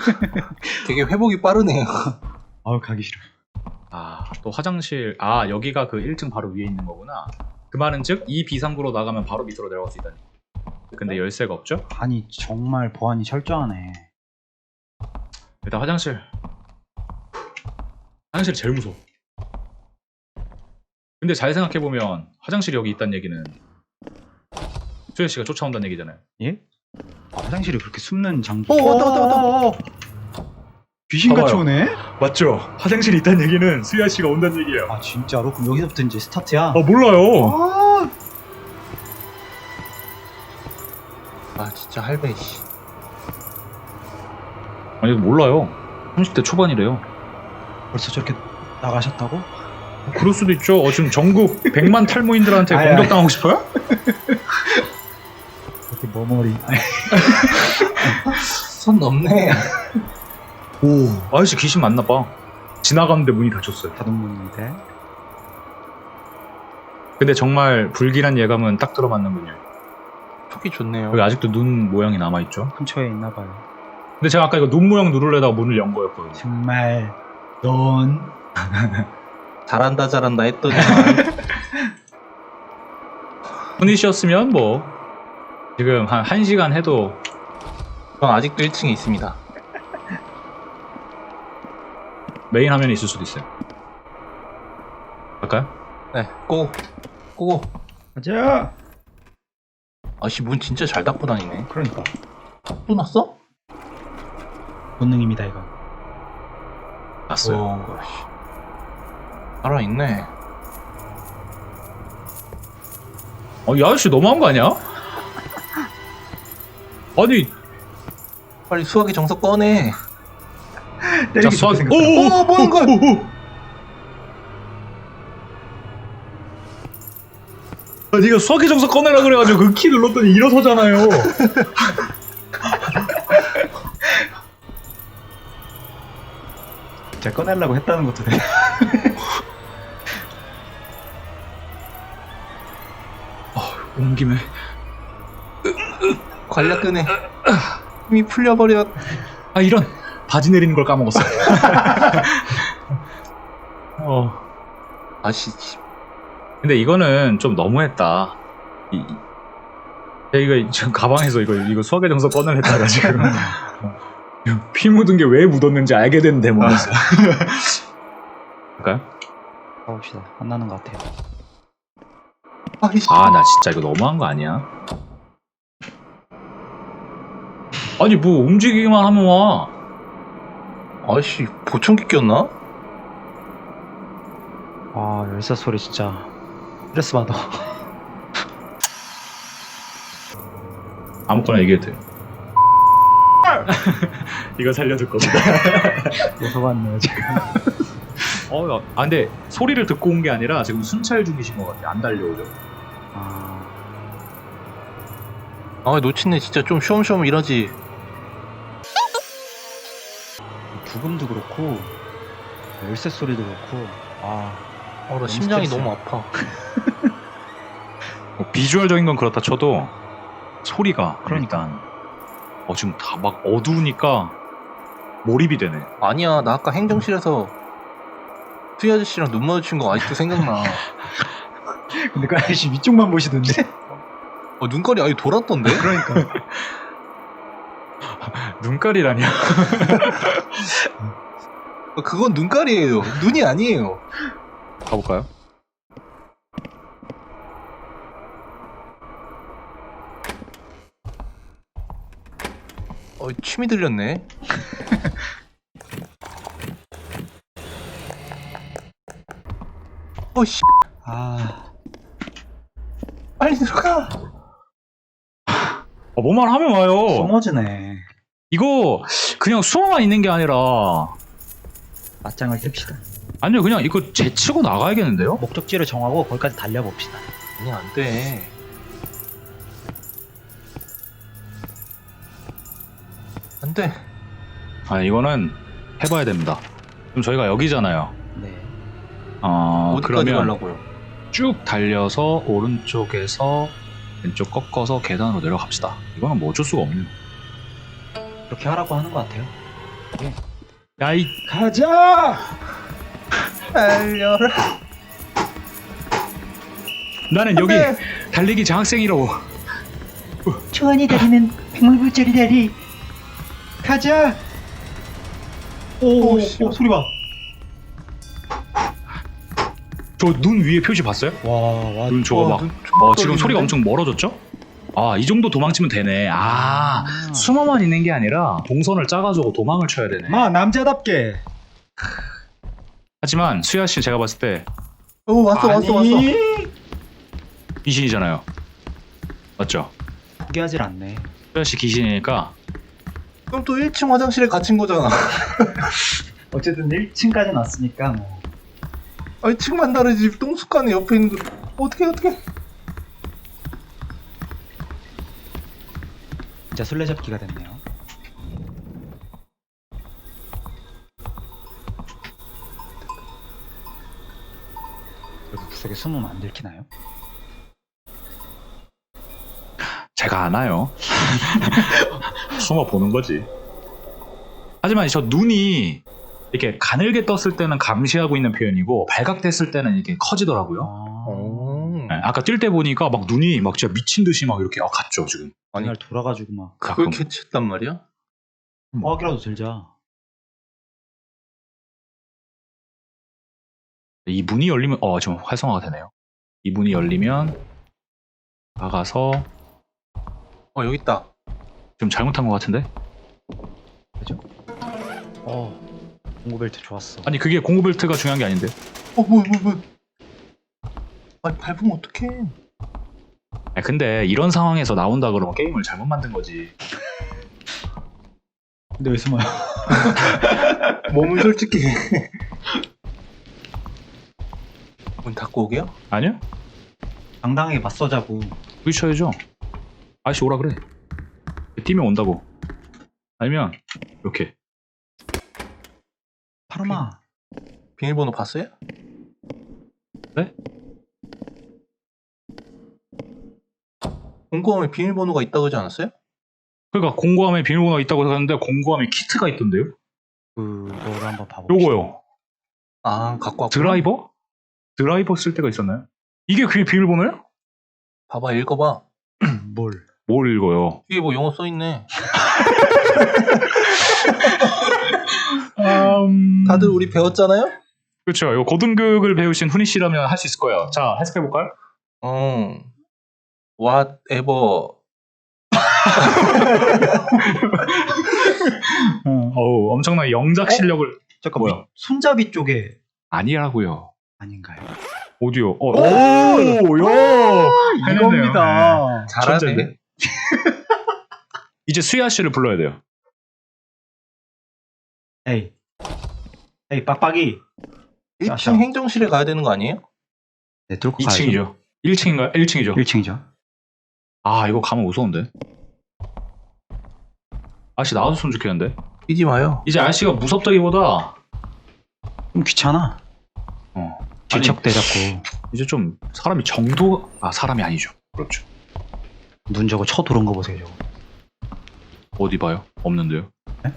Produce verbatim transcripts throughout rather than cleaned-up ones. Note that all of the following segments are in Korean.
되게 회복이 빠르네요. 아우 가기 싫어. 아, 또 화장실. 아, 여기가 그 일 층 바로 위에 있는 거구나. 그 말은 즉 이 비상구로 나가면 바로 밑으로 내려갈 수 있다니. 근데 열쇠가 없죠? 아니 정말 보안이 철저하네. 일단 화장실. 화장실이 제일 무서워. 근데 잘 생각해보면 화장실이 여기 있다는 얘기는 수혜 씨가 쫓아온다는 얘기잖아요. 예? 아, 화장실이 그렇게 숨는 장소. 오, 왔다, 왔다, 왔다. 귀신같이 봐봐요. 오네? 맞죠? 화장실이 있다는 얘기는 수혜 씨가 온다는 얘기예요. 아 진짜로? 그럼 여기서부터 이제 스타트야? 아, 몰라요. 아, 아, 진짜 할배, 씨. 아니, 몰라요. 삼십 대 초반이래요. 벌써 저렇게 나가셨다고? 그럴 수도 있죠. 어, 지금 전국 백만 탈모인들한테 아이, 공격당하고 싶어요? 이렇게 머머리. 손 넘네. 오, 아저씨 귀신 맞나 봐. 지나가는데 문이 닫혔어요. 자동문인데. 근데 정말 불길한 예감은 딱 들어맞는군요. 촉이 좋네요. 여기 아직도 눈 모양이 남아있죠. 근처에 있나봐요. 근데 제가 아까 이거 눈 모양 누르려다가 문을 연 거였거든요. 정말 넌 잘한다, 잘한다 했더니. 손이 쉬었으면 뭐 지금 한 1시간 해도 전 아직도 일 층에 있습니다. 메인 화면에 있을 수도 있어요. 갈까요? 네, 고, 고. 가자. 아씨, 문 진짜 잘 닫고 다니네. 그러니까 또 났어? 본능입니다 이거. 났어요. 오, 씨. 살아있네. 어, 이 아저씨 너무한 거 아니야? 아니, 빨리 수학의 정석 꺼내. 자, 수학. 생겼다. 오, 뭐 하는 거야? 아, 니가 수학의 정석 꺼내라 그래가지고 그 키 눌렀더니 일어서잖아요. 제가 꺼내려고 했다는 것도 돼. 온 김에. 관략 끄네. 힘이 풀려버려. 아, 이런. 바지 내리는 걸 까먹었어. 어. 아씨, 씨. 근데 이거는 좀 너무했다. 이, 이- 제가 이거 지금 가방에서 이거 이거 수학의 정석 꺼내냈다가 지금 피 묻은 게 왜 묻었는지 알게 된 대목이었어. 할까요? 가봅시다. 안 나는 것 같아요. 아이씨. 아, 나 진짜 이거 너무한 거 아니야? 아니 뭐 움직이기만 하면 와. 아씨, 보청기 꼈나? 아 열쇠 소리 진짜 스트레스 받아. 아무거나 얘기해도 돼요. 이거 살려줄 겁니다. 무서웠네요 지금. 어, 야, 아 근데 소리를 듣고 온 게 아니라 지금 순찰 중이신 것 같아. 안 달려오죠. 아 아, 놓친네 진짜 좀 쉬엄쉬엄 이러지. 부금도 그렇고 열쇠 소리도 그렇고. 아 어, 나 너무 심장이 스트레스야. 너무 아파. 어, 비주얼적인 건 그렇다 쳐도 소리가 그러니까. 일단 어 지금 다 막 어두우니까 몰입이 되네. 아니야, 나 아까 행정실에서 수희 아저씨랑 눈 마주친 거 아직도 생각나. 근데 그 아저씨 위쪽만 보시던데. 어, 눈깔이 아예 돌았던데? 그러니까. 눈깔이라냐? 어, 그건 눈깔이에요. 눈이 아니에요. 가볼까요? 어, 침이 들렸네. 어, 씨. 아 빨리 들어가. 어, 뭐만 하면 와요. 숨어지네. 이거 그냥 숨어만 있는 게 아니라 맞짱을 뜹시다. 아니요 그냥 이거 제치고 나가야겠는데요? 목적지를 정하고 거기까지 달려봅시다. 아니, 안 돼. 안 돼. 아 이거는 해봐야 됩니다. 그럼 저희가 여기잖아요. 네. 어 어디까지 그러면 가려고요? 쭉 달려서 오른쪽에서 왼쪽 꺾어서 계단으로 내려갑시다. 이거는 뭐 어쩔 수가 없네요. 그렇게 하라고 하는 것 같아요. 야이 가자. 달려라. 나는 여기 네. 달리기 장학생이라고. 초안이 다리는 백물불짜리 다리. 가자. 오, 오, 씨. 오 소리 봐. 저 눈 위에 표시 봤어요? 와, 와. 눈 저거 와, 막. 눈 어, 촉 지금 떨리는데? 소리가 엄청 멀어졌죠? 아, 이 정도 도망치면 되네. 아, 아. 숨어만 있는 게 아니라 동선을 짜가지고 도망을 쳐야 되네. 마 남자답게. 하지만 수야 씨 제가 봤을 때 오, 왔어, 왔어, 왔어. 귀신이잖아요. 맞죠? 포기하질 않네. 수야 씨 귀신이니까 그럼 또 일 층 화장실에 갇힌 거잖아. 어쨌든 일 층까지 왔으니까 뭐. 아니, 층만 다르지. 똥숟가락 옆에 있는 거. 어떻게, 어떻게. 진짜 술래잡기가 됐네요. 여기 구석에 숨으면 안 들키나요? 제가 아나요. 숨어 보는 거지. 하지만 저 눈이 이렇게 가늘게 떴을 때는 감시하고 있는 표현이고 발각됐을 때는 이렇게 커지더라고요. 아, 오. 네, 아까 뛸 때 보니까 막 눈이 막 진짜 미친 듯이 막 이렇게 아, 갔죠 지금. 아니, 그날 돌아가지고 막 그걸 가끔. 캐치했단 말이야? 허학이라도 들자. 이 문이 열리면 어 지금 활성화가 되네요. 이 문이 열리면 나가서 어, 여기 있다. 지금 잘못한 것 같은데? 그죠? 어, 공구벨트 좋았어. 아니 그게 공구 벨트가 중요한 게 아닌데. 어, 뭐야, 뭐야, 뭐야. 아니, 밟으면 어떡해. 아니, 근데 이런 상황에서 나온다 그러면 게임을 잘못 만든 거지. 근데 왜 숨어요? 몸은 솔직히. 문 닫고 오게요? 아니요? 당당하게 맞서자고. 부딪혀야죠. 아저씨 오라 그래. 뛰면 온다고. 아니면 이렇게. 파르마. 비밀번호 봤어요? 네? 공고함에 비밀번호가 있다고 하지 않았어요? 그러니까 공구함에 비밀번호가 있다고 하는데 공구함에 키트가 있던데요? 그거를 한번 봐봅시다. 요거요. 아, 갖고 왔구나. 드라이버? 드라이버 쓸 때가 있었나요? 이게 그게 비밀번호예요? 봐봐, 읽어봐. 뭘? 뭘 읽어요? 뒤에 뭐 영어 써있네. 음... 다들 우리 배웠잖아요? 그렇죠. 이거 고등교육을 배우신 훈이 씨라면 할 수 있을 거예요. 자, 해석해 볼까요? 어. whatever. 어. 어우, 엄청난 영작 실력을 잠깐 뭐야? 뭐, 손잡이 쪽에 아니라고요. 아닌가요? 오디오. 어, 오! 오, 야! 해냈네요. 이겁니다. 잘하네. 천재인데? 이제 수야 씨를 불러야 돼요. 에이, 에이 빡빡이. 일 층 샤샤. 행정실에 가야 되는 거 아니에요? 네, 뚫고 이 층이죠. 일 층인가요? 일 층이죠. 일 층이죠. 아, 이거 가면 무서운데. 아저씨 나와줬으면 좋겠는데. 뛰지 마요. 이제 아저씨가 무섭다기보다 좀 귀찮아. 어, 질척대 잡고 이제 좀 사람이 정도 아 사람이 아니죠. 그렇죠. 눈 저거 쳐 들어온 거 보세요. 저거. 어디 봐요? 없는데요. 네?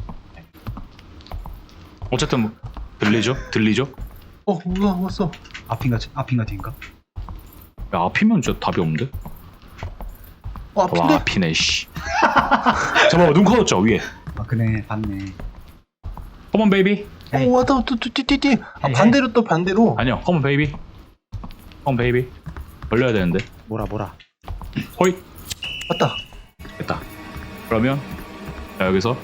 어쨌든 뭐, 들리죠? 들리죠? 어, 뭐야, 왔어. 앞인가 앞인가 뒤인가? 야, 앞이면 진짜 답이 없는데? 어, 와, 앞인데? 앞이네, 씨. 잠깐만, 눈 커졌죠, 위에. 아 그네 봤네. 컴온, 베이비. 에이. 어, 왔다, 또, 또, 띠, 띠, 띠. 아, 에이, 반대로 또 반대로. 아니요, 컴온, 베이비. 컴온, 베이비. 걸려야 되는데. 뭐라 뭐라. 호이. 왔다. 됐다. 그러면, 자, 여기서.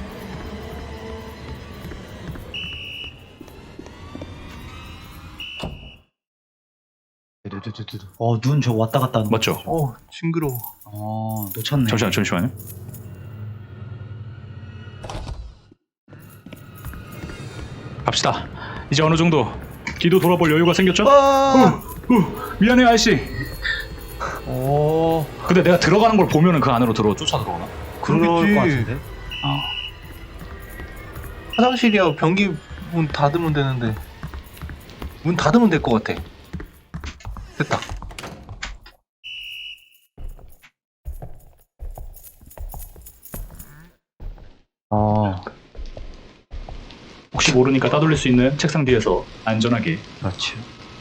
두두두두두. 어, 눈 저거 왔다 갔다 하는 거. 맞죠? 어, 징그러워. 어, 놓쳤네. 잠시만, 잠시만요. 갑시다. 이제 어느 정도 뒤도 돌아볼 여유가 생겼죠? 아! 후, 미안해, 아저씨. 어, 근데 내가 들어가는 걸 보면은 그 안으로 들어 쫓아 들어오나? 그럴 그러겠지. 것 같은데. 아, 화장실이야. 변기 문 닫으면 되는데. 문 닫으면 될 것 같아. 됐다. 어. 혹시 모르니까 따돌릴 수 있는 책상 뒤에서 안전하게. 그렇지.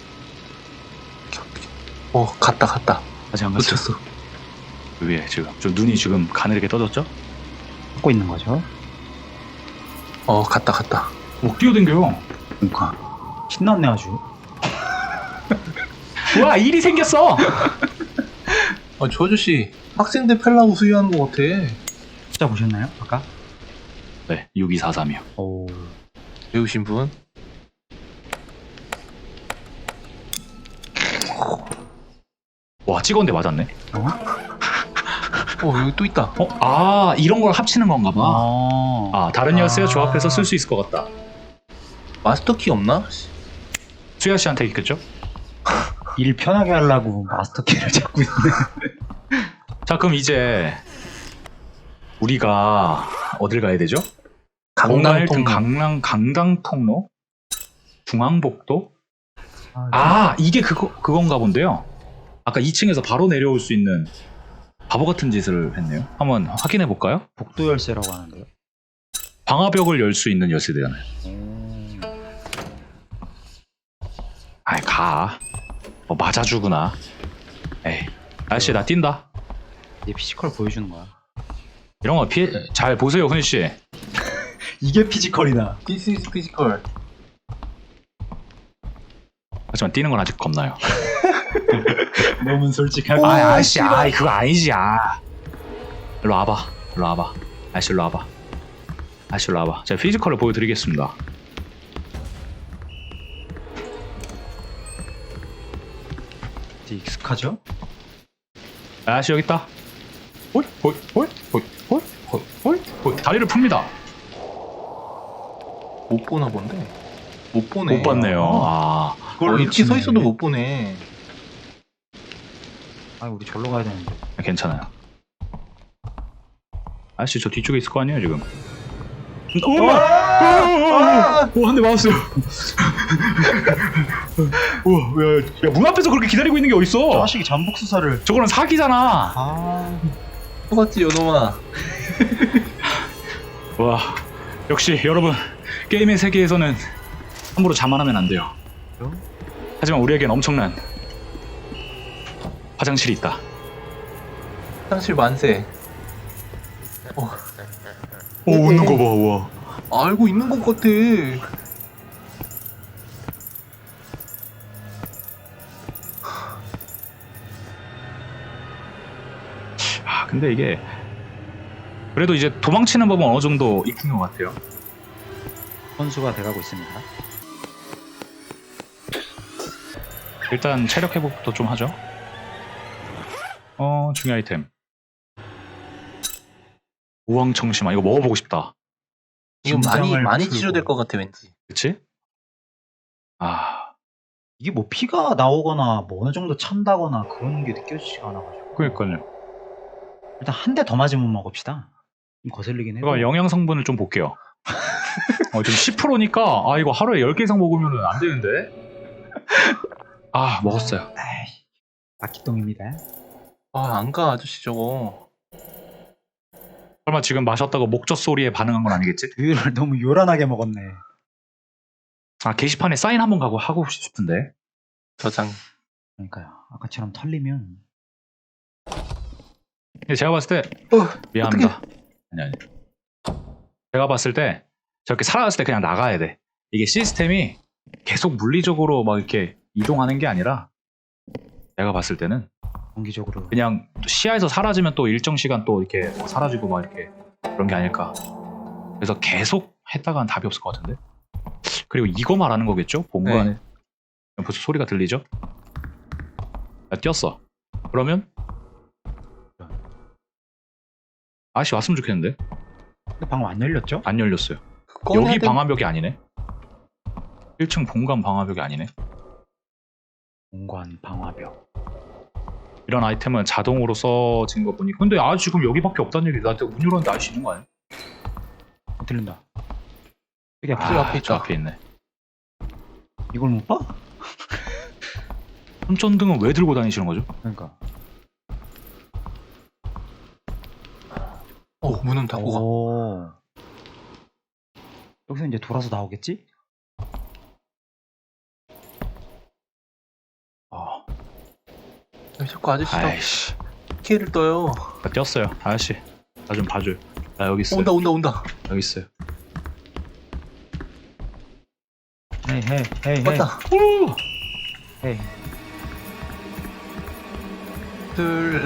어 갔다 갔다. 아직 안 갔어요. 놓쳤어. 위에 지금 좀 눈이 지금 가늘게 떠졌죠? 하고 있는 거죠. 어 갔다 갔다. 못 뛰어댕겨요. 그러니까 신났네 아주. 와, 일이 생겼어. 아, 저 아저씨 학생들 펠라고 수유하는 것 같아. 숫자 보셨나요? 아까? 네, 육이사삼이요. 오. 배우신 분? 와, 찍었는데 맞았네. 어? 어 여기 또 있다. 어? 아, 이런 걸 합치는 건가 봐. 아. 아, 다른 열쇠와 아. 조합해서 쓸 수 있을 것 같다. 마스터 키 없나? 수야 씨한테 있겠죠? 일 편하게 하려고 마스터 키를 잡고 있네. 자, 그럼 이제 우리가 어딜 가야 되죠? 강남 일등 통. 강남 강당 통로, 중앙복도. 아, 아, 이게 그거 그건가 본데요. 아까 이 층에서 바로 내려올 수 있는 바보 같은 짓을 했네요. 한번 확인해 볼까요? 복도 열쇠라고 하는데요. 방화벽을 열 수 있는 열쇠대잖아요. 오. 아이, 가. 어, 맞아주구나. 에이, 아저씨 나 뛴다. 이제 피지컬 보여주는 거야. 이런 거 피해 잘 보세요, 훈 씨. 이게 피지컬이다. This is physical. 하지만 뛰는 건 아직 겁나요. 너무 솔직하고. 아, 아저씨, 아이 그거 아니지, 아. 일로 와봐, 일로 와봐. 아저씨 일로 와봐. 아저씨 일로 와봐. 제가 피지컬을 보여드리겠습니다. 되게 익숙하죠? 아저씨 여기 있다. 호이 호이 호이 호이 호이 호이 호이 호이. 다리를 풉니다. 못 보나 본데. 못 보네. 못 봤네요. 아, 어, 이렇게 서 있어도 못 보네. 아, 우리 절로 가야 되는데. 괜찮아요. 아저씨 저 뒤쪽에 있을 거 아니에요 지금. 우와! 오, 한 대 맞았어요. 우와, 야, 야, 문 앞에서 그렇게 기다리고 있는 게 어딨어? 자식이 잠복 수사를. 저거는 사기잖아. 아. 똑같지 요놈아. 와, 역시 여러분 게임의 세계에서는 함부로 자만하면 안 돼요. 하지만 우리에겐 엄청난 화장실이 있다. 화장실 만세. 어, 오, 웃는 거 봐, 와. 알고 있는 것 같아. 아, 근데 이게 그래도 이제 도망치는 법은 어느 정도 익힌 것 같아요. 선수가 돼가고 있습니다. 일단 체력 회복부터 좀 하죠. 어, 중요 아이템. 우왕청심아, 이거 먹어보고 싶다. 이거 많이 긴장을 많이 풀고. 치료될 것 같아 왠지. 그치? 아, 이게 뭐 피가 나오거나 뭐 어느 정도 찬다거나 그런 게 느껴지지가 않아가지고. 그러니까요. 일단 한 대 더 맞으면 먹읍시다. 좀 거슬리긴 해도. 이거 영양 성분을 좀 볼게요. 어, 지금 십 퍼센트니까 아, 이거 하루에 열 개 이상 먹으면 안 되는데. 아, 먹었어요. 에이, 아기똥입니다. 아 안 가 아저씨 저거. 설마 지금 마셨다고 목젖 소리에 반응한 건 아니겠지? 두유를 너무 요란하게 먹었네. 아, 게시판에 사인 한번 가고 하고 싶은데. 저장. 그러니까요. 아까처럼 털리면. 근데 제가 봤을 때 어, 미안합니다. 아니 아니. 제가 봤을 때 저렇게 살아났을 때 그냥 나가야 돼. 이게 시스템이 계속 물리적으로 막 이렇게 이동하는 게 아니라 내가 봤을 때는 정기적으로. 그냥 시야에서 사라지면 또 일정 시간 또 이렇게 뭐 사라지고 막 이렇게 그런 게 아닐까. 그래서 계속 했다가는 답이 없을 것 같은데. 그리고 이거 말하는 거겠죠? 본관에 네. 벌써 소리가 들리죠? 야, 뛰었어. 그러면 아저씨 왔으면 좋겠는데. 근데 방금 안 열렸죠? 안 열렸어요. 꺼내야 여기 돼. 방화벽이 아니네. 일 층 본관 방화벽이 아니네. 공관 방화벽. 이런 아이템은 자동으로 써진 거 보니. 근데 아 지금 여기밖에 없다는 얘기. 나한테 문 열었는데 아저씨 있는 거 아니야? 어, 들린다. 여기 앞에. 아, 앞에 저 있다. 앞에 있네. 이걸 못 봐? 손전등은 왜 들고 다니시는 거죠? 그러니까. 어 문은 닫고 가. 오. 여기서 이제 돌아서 나오겠지? 어. 왜 자꾸 아저씨가 아이씨. 피해를 떠요. 나 뛰었어요. 아저씨. 나 좀 봐줘요. 나 여기 있어요. 온다 온다 온다. 여기 있어요. 헤이 헤이 헤이 헤이 왔다. 헤이. 둘.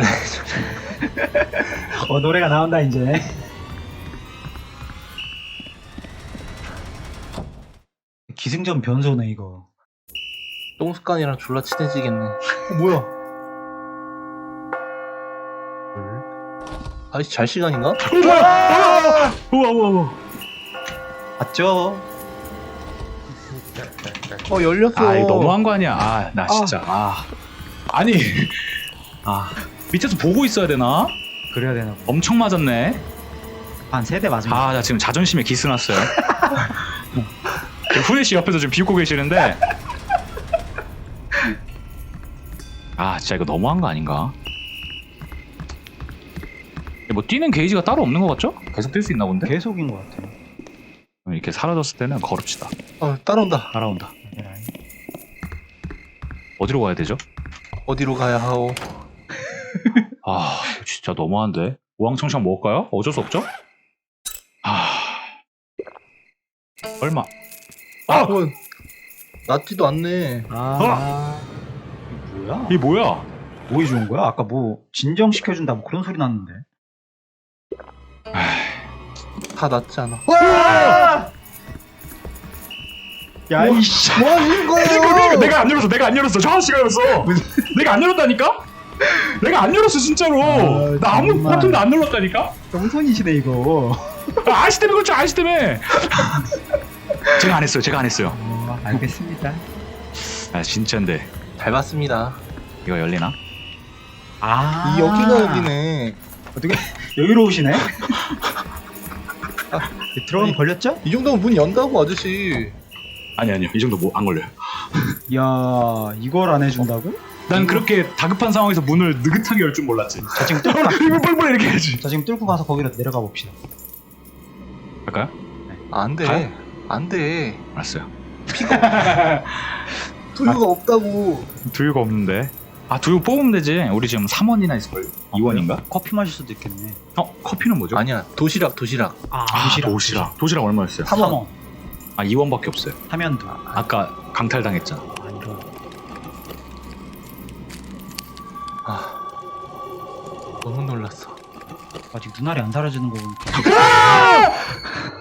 어 노래가 나온다 이제. 기승전 변소네 이거. 똥습관이랑 졸라 친해지겠네. 어, 뭐야? 아저씨 잘 시간인가? 우와 우와 우와. 맞죠? 어 열렸어. 아 이거 너무한 거 아니야. 아 나 진짜. 아. 아니. 아 밑에서 보고 있어야 되나? 그래야 되나 봐. 엄청 맞았네. 한 세 대 맞으면. 아 나 지금 자존심에 기스 났어요. 후레 씨 옆에서 지금 비웃고 계시는데. 아 진짜 이거 너무한 거 아닌가? 뭐 뛰는 게이지가 따로 없는 것 같죠? 계속 뛸 수 있나 본데? 계속인 것 같아. 그럼 이렇게 사라졌을 때는 걸읍시다. 어 따라온다. 따라온다. 어디로 가야 되죠? 어디로 가야 하오? 아 진짜 너무한데. 우왕청청 먹을까요? 어쩔 수 없죠? 아 얼마? 아, 그건 낫지도 않네. 아. 이게 뭐야? 이게 뭐야? 뭐 해주는 거야? 아까 뭐 진정시켜준다 뭐 그런 소리 났는데. 다 낫지 않아. 야 이씨. 뭐 하는 거야? 그러니까 내가 안 열었어. 내가 안 열었어. 저 아저씨가 열었어. 내가 안 열었다니까? 내가 안 열었어 진짜로. 아, 나 아무 정말. 버튼도 안 눌렀다니까? 똥손이시네 이거. 아, 아저씨 때문에 그렇죠. 아저씨 때문에. 제가 안 했어요. 제가 안 했어요. 어, 알겠습니다. 아 진짜인데 잘 봤습니다. 이거 열리나? 아 이 여기가 열리네. 어떻게 여유로우시네? 들어가면 아니, 걸렸죠? 이 정도면 문 연다고 아저씨. 아니 아니요. 이 정도 뭐 안 걸려요. 야 이걸 안 해준다고? 난 그렇게 다급한 상황에서 문을 느긋하게 열 줄 몰랐지. 자 지금 뚫고 가. 이거 뻘뻘 이렇게 해야지. 자 지금 뚫고 가서 거기로 내려가 봅시다. 할까요? 안 돼. 가요? 안 돼. 알았어요. 두유가 없다고. 두유가 없는데. 아 두유 뽑으면 되지. 우리 지금 삼 원이나 있을걸요? 이 원인가? 커피 마실 수도 있겠네. 어 커피는 뭐죠? 아니야. 도시락 도시락. 아, 아, 도시락. 도시락. 도시락 얼마였어요? 삼 원. 아 이 원밖에 없어요. 하면도. 아까 강탈당했잖아. 아 이거. 아 너무 놀랐어. 아직 눈알이 안 사라지는 거 보니까.